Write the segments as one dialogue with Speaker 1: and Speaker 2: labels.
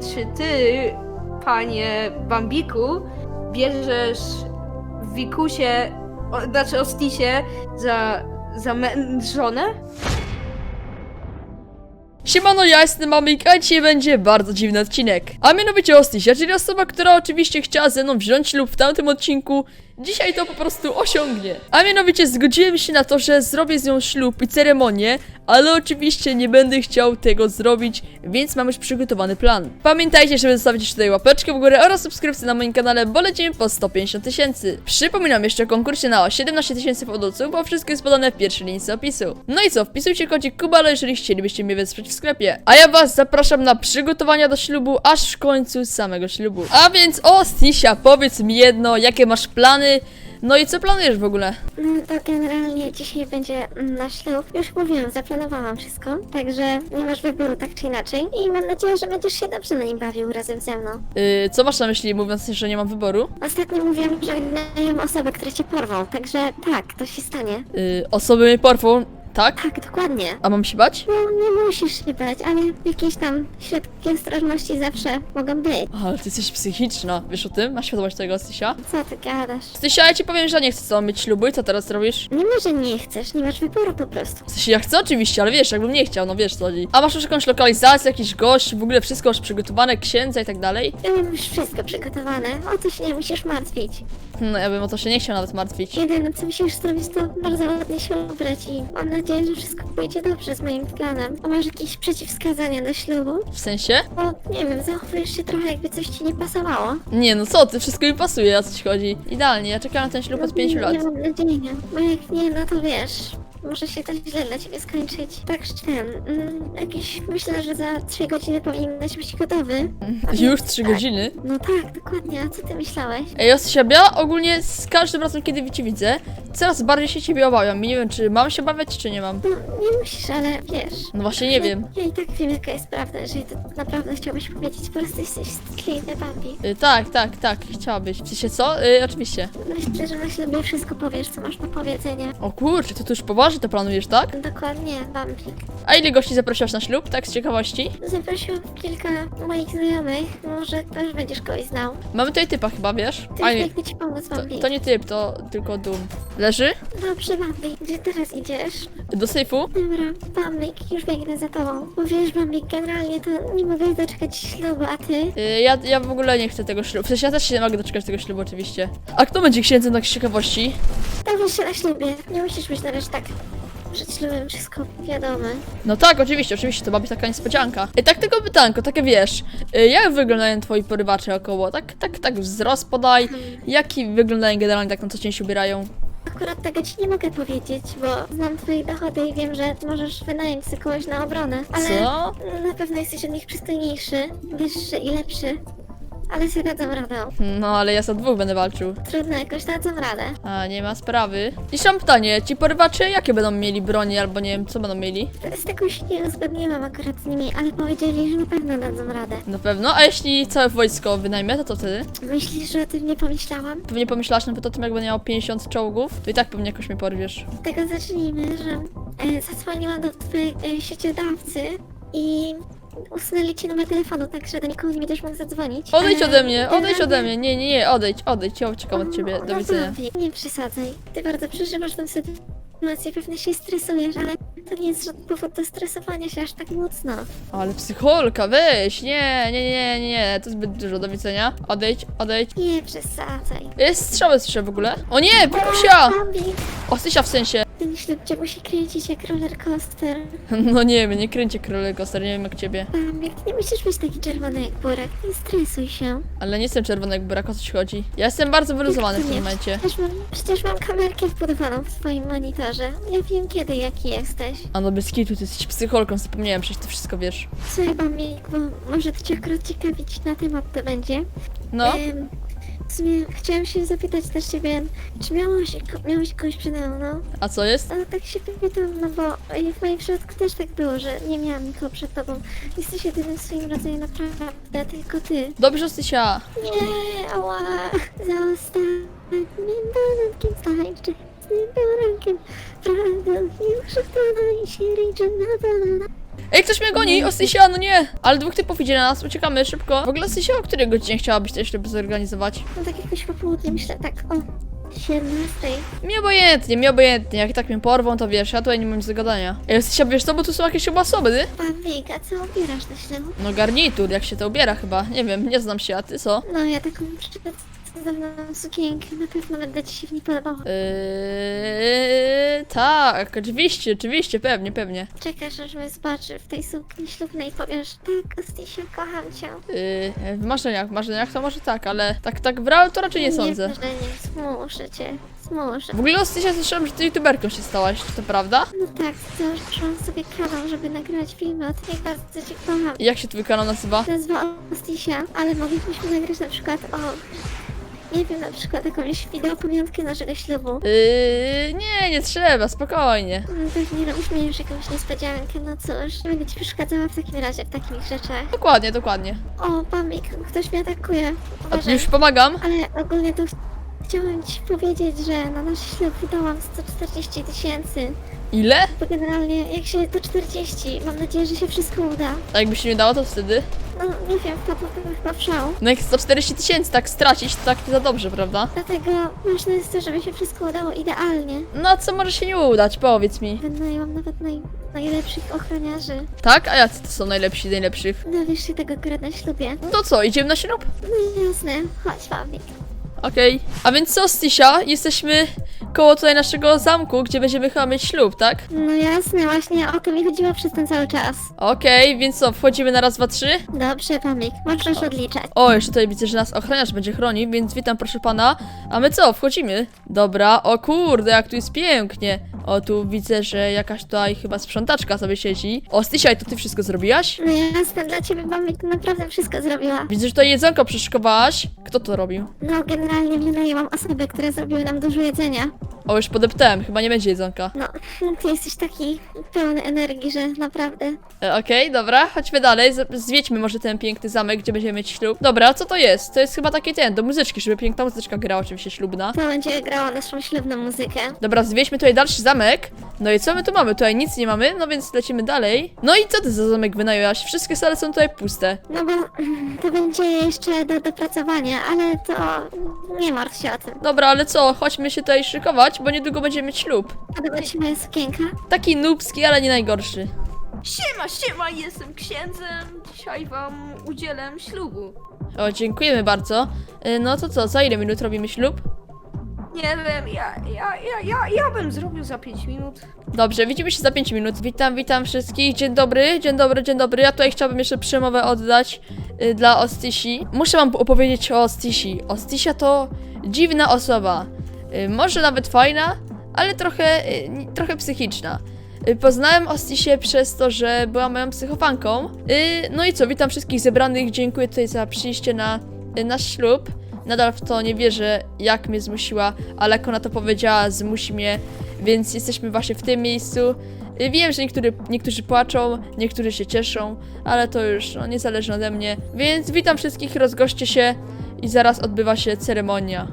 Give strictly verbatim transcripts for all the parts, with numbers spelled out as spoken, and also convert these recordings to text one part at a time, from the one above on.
Speaker 1: czy ty, panie Bambiku, bierzesz Wikusie, o, znaczy Ostisie za, za me- żonę?
Speaker 2: Siemano, ja jestem Mamik, a dzisiaj będzie bardzo dziwny odcinek. A mianowicie Ostisia, czyli osoba, która oczywiście chciała ze mną wziąć ślub w tamtym odcinku, dzisiaj to po prostu osiągnie. A mianowicie zgodziłem się na to, że zrobię z nią ślub i ceremonię, ale oczywiście nie będę chciał tego zrobić, więc mam już przygotowany plan. Pamiętajcie, żeby zostawić tutaj łapeczkę w górę oraz subskrypcję na moim kanale, bo lecimy po sto pięćdziesiąt tysięcy. Przypominam jeszcze o konkursie na siedemnaście tysięcy fodolców, bo wszystko jest podane w pierwszej linii opisu. No i co, wpisujcie kodzik Kubalo, jeżeli chcielibyście mnie wesprzeć w sklepie. A ja was zapraszam na przygotowania do ślubu, aż w końcu samego ślubu. A więc Ostisia, powiedz mi jedno, jakie masz plany? No i co planujesz w ogóle?
Speaker 3: No to generalnie dzisiaj będzie na ślub. Już mówiłam, zaplanowałam wszystko, także nie masz wyboru tak czy inaczej. I mam nadzieję, że będziesz się dobrze na nim bawił razem ze mną.
Speaker 2: Yy, co masz na myśli, mówiąc, że nie mam wyboru?
Speaker 3: Ostatnio mówiłam, że znają osobę, które cię porwą, także tak, to się stanie.
Speaker 2: Yy, osoby mnie porwą, tak?
Speaker 3: Tak, dokładnie.
Speaker 2: A mam się bać?
Speaker 3: No nie musisz się bać, ale jakieś tam środki ostrożności zawsze mogą być.
Speaker 2: Ale ty jesteś psychiczna, wiesz o tym? Masz świadomość tego, Stysia?
Speaker 3: Co ty gadasz?
Speaker 2: Stysia, ja ci powiem, że nie chcę z tobą mieć ślubu i co teraz robisz?
Speaker 3: Nie ma, że nie chcesz, nie masz wyboru po prostu.
Speaker 2: W sensie ja chcę oczywiście, ale wiesz, jakbym nie chciał, no wiesz co chodzi. A masz już jakąś lokalizację, jakiś gość, w ogóle wszystko już przygotowane, księdza i tak dalej?
Speaker 3: Ja mam już wszystko przygotowane, o to się nie musisz martwić.
Speaker 2: No ja bym o to się nie chciał nawet martwić.
Speaker 3: Jedyne co musisz zrobić to bardzo ładnie się ubrać i mam nadzieję, że wszystko pójdzie dobrze z moim planem. A masz jakieś przeciwwskazania do ślubu?
Speaker 2: W sensie?
Speaker 3: Bo nie wiem, zachowujesz się trochę jakby coś ci nie pasowało.
Speaker 2: Nie no co ty, wszystko mi pasuje, o co ci chodzi. Idealnie, ja czekam na ten ślub od pięciu lat.
Speaker 3: Nie mam nadziei, bo jak nie, no to wiesz, może się to źle dla ciebie skończyć. Także ten, mm, jakieś, myślę, że za trzy godziny powinnaś być gotowy.
Speaker 2: Już trzy godziny?
Speaker 3: No tak, dokładnie, a co ty myślałeś?
Speaker 2: Ej, Ostisia, ja ogólnie z każdym razem, kiedy cię widzę, coraz bardziej się ciebie obawiam i nie wiem, czy mam się obawiać, czy nie mam.
Speaker 3: No, nie musisz, ale wiesz.
Speaker 2: No właśnie nie wiem.
Speaker 3: Ja i tak wiem, jaka jest prawda, jeżeli to naprawdę chciałbyś powiedzieć, po prostu jesteś wstydliwy, Bambi.
Speaker 2: Y, tak, tak, tak, chciałabyś. W sensie co? Y, oczywiście.
Speaker 3: Myślę, że na ślubie wszystko powiesz, co masz do powiedzenia.
Speaker 2: O kurczę, to tu już poważnie to planujesz, tak?
Speaker 3: Dokładnie, Bambi.
Speaker 2: A ile gości zaprosiłaś na ślub, tak z ciekawości?
Speaker 3: Zaprosiłam kilka moich znajomych, może też będziesz kogoś znał.
Speaker 2: Mamy tutaj typa chyba, wiesz?
Speaker 3: Ty
Speaker 2: A nie,
Speaker 3: jak ci pomóc,
Speaker 2: to,
Speaker 3: Bambi.
Speaker 2: to nie typ, to tylko dum. Leży?
Speaker 3: Dobrze, Bambi, gdzie teraz idziesz?
Speaker 2: Do sejfu?
Speaker 3: Dobra, Bambi, już biegnę za tobą. Bo wiesz, Bambi, generalnie to nie mogę doczekać ślubu, a ty?
Speaker 2: Y, ja, ja w ogóle nie chcę tego ślubu. W sensie ja też się nie mogę doczekać tego ślubu oczywiście. A kto będzie księdzem tak z ciekawości?
Speaker 3: Dowiesz się na ślubie, nie musisz być na razie tak przed ślubem wszystko wiadome.
Speaker 2: No tak, oczywiście, oczywiście, to ma być taka niespodzianka. I tak tylko pytanko, takie wiesz, y, jak wyglądają twoi porywacze około? Tak, tak, tak wzrost podaj. Jaki wyglądają generalnie tak na co dzień się ubierają?
Speaker 3: Akurat tego ci nie mogę powiedzieć, bo znam twoje dochody i wiem, że możesz wynająć sobie kogoś na obronę. Ale
Speaker 2: Co?
Speaker 3: na pewno jesteś od nich przystojniejszy, wyższy i lepszy. Ale sobie dadzą radę.
Speaker 2: No ale ja za dwóch będę walczył.
Speaker 3: Trudno, jakoś dadzą radę.
Speaker 2: A, nie ma sprawy. I mam pytanie, ci porywacze jakie będą mieli broni, albo nie wiem, co będą mieli?
Speaker 3: Z tego się nie uzgodniłam akurat z nimi, ale powiedzieli, że na pewno dadzą radę.
Speaker 2: Na pewno, a jeśli całe wojsko wynajmę, to co wtedy?
Speaker 3: Myślisz, że o tym nie pomyślałam?
Speaker 2: Pewnie pomyślałaś nawet o tym, jak będę miał pięćdziesiąt czołgów, to i tak pewnie jakoś mnie porwiesz.
Speaker 3: Z tego zacznijmy, że e, zadzwoniłam do twojej e, sieciodawcy i usunęli ci numer telefonu, tak że do nikogo nie będziesz mógł zadzwonić.
Speaker 2: Odejdź
Speaker 3: E,
Speaker 2: ode mnie, odejdź
Speaker 3: generalnie-
Speaker 2: ode mnie, nie, nie, nie, odejdź, odejdź, ja uciekam od ciebie, do
Speaker 3: No,
Speaker 2: widzenia.
Speaker 3: Bambi, nie przesadzaj. Ty bardzo przeżywasz tę sytuację, pewnie się stresujesz, ale to nie jest żaden powód do stresowania się aż tak mocno.
Speaker 2: Ale psycholka, weź, nie, nie, nie, nie, nie, to zbyt dużo, do widzenia. Odejdź, odejdź.
Speaker 3: Nie przesadzaj.
Speaker 2: Jest strzały słyszę w ogóle. O nie, Wikusia!
Speaker 3: Bambi,
Speaker 2: O, Stysia w sensie.
Speaker 3: ten ślub cię musi kręcić jak roller coaster.
Speaker 2: No nie wiem, nie kręcie królego, nie wiem jak ciebie.
Speaker 3: Bambi, ty nie musisz być taki czerwony jak burak, nie stresuj się.
Speaker 2: Ale nie jestem czerwony jak burak, o co ci chodzi. Ja jestem bardzo wyluzowany w tym momencie.
Speaker 3: Przecież mam, przecież mam kamerkę wbudowaną w twoim monitorze. Ja wiem kiedy, jaki jesteś.
Speaker 2: A no bez kitu, ty jesteś psycholką, zapomniałem, przecież ty wszystko wiesz.
Speaker 3: Słuchaj, Bambi, bo może to cię akurat ciekawić na temat to będzie.
Speaker 2: No,
Speaker 3: Em, w sumie chciałam się zapytać też ciebie, czy miałeś, miałeś kogoś przede mną?
Speaker 2: a co jest?
Speaker 3: Ale tak się pytam, no bo w moim przypadku też tak było, że nie miałam nikogo przed tobą. Jesteś jedynym w swoim rodzaju naprawdę, tylko ty.
Speaker 2: Dobrze, Stysia.
Speaker 3: Nie, ała, za ostatnim dodatkiem tańczy, z tym porankiem, prawdą już wkładaj się ręczem na dole.
Speaker 2: Ej, ktoś mnie goni! Ostysia, no nie! Ale dwóch typów idzie na nas, uciekamy szybko. W ogóle Ostysia, o której godzinie chciałabyś ten ślub zorganizować?
Speaker 3: No tak jakoś po południu, myślę tak o siedemnastej.
Speaker 2: Mi obojętnie, mi obojętnie. Jak tak mnie porwą, to wiesz, ja tutaj nie mam nic do gadania. Ej, Ostysia, wiesz co, bo tu są jakieś chyba osoby, ty?
Speaker 3: Bambik, a co ubierasz na ślub?
Speaker 2: No garnitur, jak się to ubiera chyba. Nie wiem, nie znam się, a ty co?
Speaker 3: No ja taką przedstawioną sukienkę, na pewno będę ci się w niej podobała.
Speaker 2: Yy, tak, oczywiście, oczywiście, pewnie, pewnie.
Speaker 3: Czekasz, aż mnie zobaczy w tej sukni ślubnej i powiesz, tak, Ostysiu, kocham cię.
Speaker 2: Yy, w marzeniach, w marzeniach to może tak, ale tak, tak w realu to raczej nie sądzę.
Speaker 3: Nie, że nie, zmuszę cię, zmuszę.
Speaker 2: W ogóle Ostysia, słyszałam, że ty youtuberką się stałaś, czy to prawda?
Speaker 3: No tak, założyłam sobie kanał, żeby nagrywać filmy o tym, jak bardzo cię kocham.
Speaker 2: I jak się twój kanał nazywa?
Speaker 3: Nazwa Ostisia, ale moglibyśmy nagrać na przykład o... Nie wiem, na przykład jakąś wideo pamiątkę naszego ślubu.
Speaker 2: Yy, nie, nie trzeba, spokojnie.
Speaker 3: No pewnie robiliśmy już jakąś niespodziankę, no cóż. Nie będę ci przeszkadzała w takim razie w takich rzeczach.
Speaker 2: Dokładnie, dokładnie.
Speaker 3: O, Bambik, ktoś mnie atakuje.
Speaker 2: A
Speaker 3: Uważaj.
Speaker 2: już pomagam?
Speaker 3: Ale ogólnie to ch- chciałam ci powiedzieć, że na nasz ślub wydałam sto czterdzieści tysięcy.
Speaker 2: Ile?
Speaker 3: Bo generalnie jak się to czterdzieści, mam nadzieję, że się wszystko uda.
Speaker 2: A jakby się nie dało, to wtedy?
Speaker 3: No nie wiem, wpadłabym chyba w szał.
Speaker 2: No jak sto czterdzieści tysięcy tak stracić, to tak nie za dobrze, prawda?
Speaker 3: Dlatego ważne jest to, żeby się wszystko udało idealnie.
Speaker 2: No a co może się nie udać, powiedz mi.
Speaker 3: Wynajęłam nawet naj, najlepszych ochroniarzy.
Speaker 2: Tak? A jacy to są najlepsi, najlepszych?
Speaker 3: Dowiesz się tego akurat na ślubie.
Speaker 2: No to co, idziemy na ślub?
Speaker 3: No jasne, chodź Bambik.
Speaker 2: Okej. A więc co, Stysia? Jesteśmy koło tutaj naszego zamku, gdzie będziemy chyba mieć ślub, tak?
Speaker 3: No jasne, właśnie o to mi chodziło przez ten cały czas.
Speaker 2: Okej, więc co, wchodzimy na raz, dwa, trzy?
Speaker 3: Dobrze, Bambik, możesz odliczać.
Speaker 2: O, jeszcze tutaj widzę, że nas ochroniarz będzie chronił, więc witam proszę pana. A my co, wchodzimy? Dobra, o kurde, jak tu jest pięknie. O, tu widzę, że jakaś tutaj chyba sprzątaczka sobie siedzi. O, Stysia, to ty wszystko zrobiłaś?
Speaker 3: No jasne, dla ciebie Bambik to naprawdę wszystko zrobiła.
Speaker 2: Widzę, że tutaj jedzonko przyszykowałaś. Kto to robił?
Speaker 3: No generalnie wynajęłam osoby, które zrobiły nam dużo jedzenia.
Speaker 2: O, już podeptałem, chyba nie będzie jedzonka.
Speaker 3: No, ty jesteś taki pełny energii, że naprawdę.
Speaker 2: E, Okej, dobra, chodźmy dalej. Z- Zwiedźmy może ten piękny zamek, gdzie będziemy mieć ślub. Dobra, co to jest? To jest chyba taki ten, do muzyczki, żeby piękna muzyczka grała, oczywiście ślubna.
Speaker 3: To będzie grało naszą ślubną muzykę.
Speaker 2: Dobra, zwiedźmy tutaj dalszy zamek. No i co my tu mamy? Tutaj nic nie mamy, no więc lecimy dalej. No i co ty za zamek wynajęłaś? Wszystkie sale są tutaj puste.
Speaker 3: No bo mm, to będzie jeszcze do dopracowania, ale to nie martw się o tym.
Speaker 2: Dobra, ale co? Chodźmy się tutaj szykować, bo niedługo będziemy mieć ślub.
Speaker 3: Podoba ci się moja sukienka?
Speaker 2: Taki nubski, ale nie najgorszy.
Speaker 1: Siema, siema, jestem księdzem. Dzisiaj wam udzielę ślubu.
Speaker 2: O, dziękujemy bardzo. Y, No to co, za ile minut robimy ślub?
Speaker 1: Nie wiem, ja, ja, ja, ja, ja bym zrobił za pięć minut.
Speaker 2: Dobrze, widzimy się za pięć minut. Witam, witam wszystkich. Dzień dobry, dzień dobry, dzień dobry. Ja tutaj chciałabym jeszcze przemowę oddać y, dla Ostysi. Muszę wam opowiedzieć o Ostysi. Ostysia to dziwna osoba. Y, może nawet fajna, ale trochę, y, ni- trochę psychiczna. Y, Poznałem Ostysię przez to, że była moją psychofanką. Y, No i co, witam wszystkich zebranych. Dziękuję tutaj za przyjście na y, nasz ślub. Nadal w to nie wierzę, jak mnie zmusiła, ale jak ona to powiedziała, zmusi mnie, więc jesteśmy właśnie w tym miejscu. Y, Wiem, że niektóry, niektórzy płaczą, niektórzy się cieszą, ale to już no, nie zależy ode mnie. Więc witam wszystkich, rozgoście się i zaraz odbywa się ceremonia.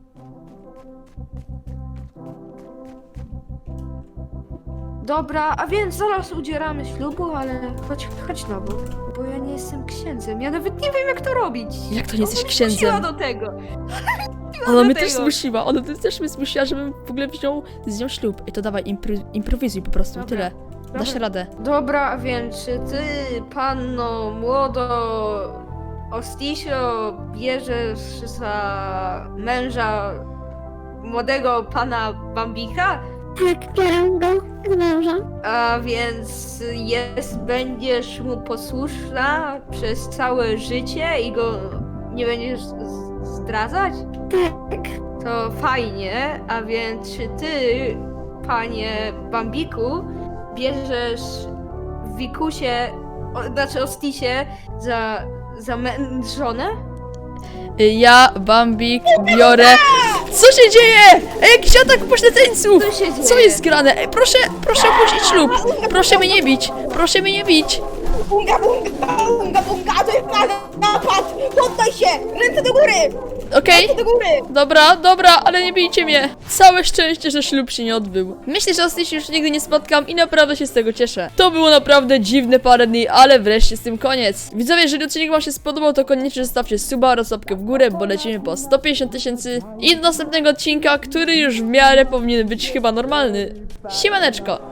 Speaker 1: Dobra, a więc zaraz udzielamy ślubu, ale chodź, chodź na bok, bo ja nie jestem księdzem. Ja nawet nie wiem, jak to robić.
Speaker 2: Jak to nie jesteś
Speaker 1: Ona mnie zmusiła
Speaker 2: księdzem?
Speaker 1: do tego.
Speaker 2: Ona
Speaker 1: do
Speaker 2: mnie też
Speaker 1: tego.
Speaker 2: zmusiła, ona też mnie zmusiła, żebym w ogóle wziął z nią ślub. I to dawaj, impro improwizuj po prostu, i
Speaker 1: Dobra.
Speaker 2: tyle. Dasz
Speaker 1: Dobra.
Speaker 2: radę.
Speaker 1: Dobra, a więc czy ty, panno młodo Ostisio, bierzesz za męża młodego pana Bambika?
Speaker 3: Tak, biorę go z męża.
Speaker 1: A więc jest, będziesz mu posłuszna przez całe życie i go nie będziesz z- zdradzać?
Speaker 3: Tak,
Speaker 1: To fajnie, a więc czy ty, panie Bambiku, bierzesz Wikusie, o, znaczy Ostisie za, za mę- żonę?
Speaker 2: Ja, Bambik, biorę... Co się dzieje? Ej, jakiś atak pośledzeńców!
Speaker 1: Co się dzieje?
Speaker 2: Co jest grane? Ej, proszę, proszę opuścić ślub! Proszę mnie nie bić! Proszę mnie nie bić!
Speaker 4: Bunga, bunga, bunga, bunga, to jest naga, napad! Poddaj się! Ręce do góry!
Speaker 2: okej?
Speaker 1: Do góry!
Speaker 2: Dobra, dobra, ale nie bijcie mnie. Całe szczęście, że ślub się nie odbył. Myślę, że ostatnio się już nigdy nie spotkam i naprawdę się z tego cieszę. To było naprawdę dziwne parę dni, ale wreszcie z tym koniec. Widzowie, jeżeli odcinek wam się spodobał, to koniecznie zostawcie suba oraz łapkę w górę, bo lecimy po sto pięćdziesiąt tysięcy i do następnego odcinka, który już w miarę powinien być chyba normalny. Siemaneczko!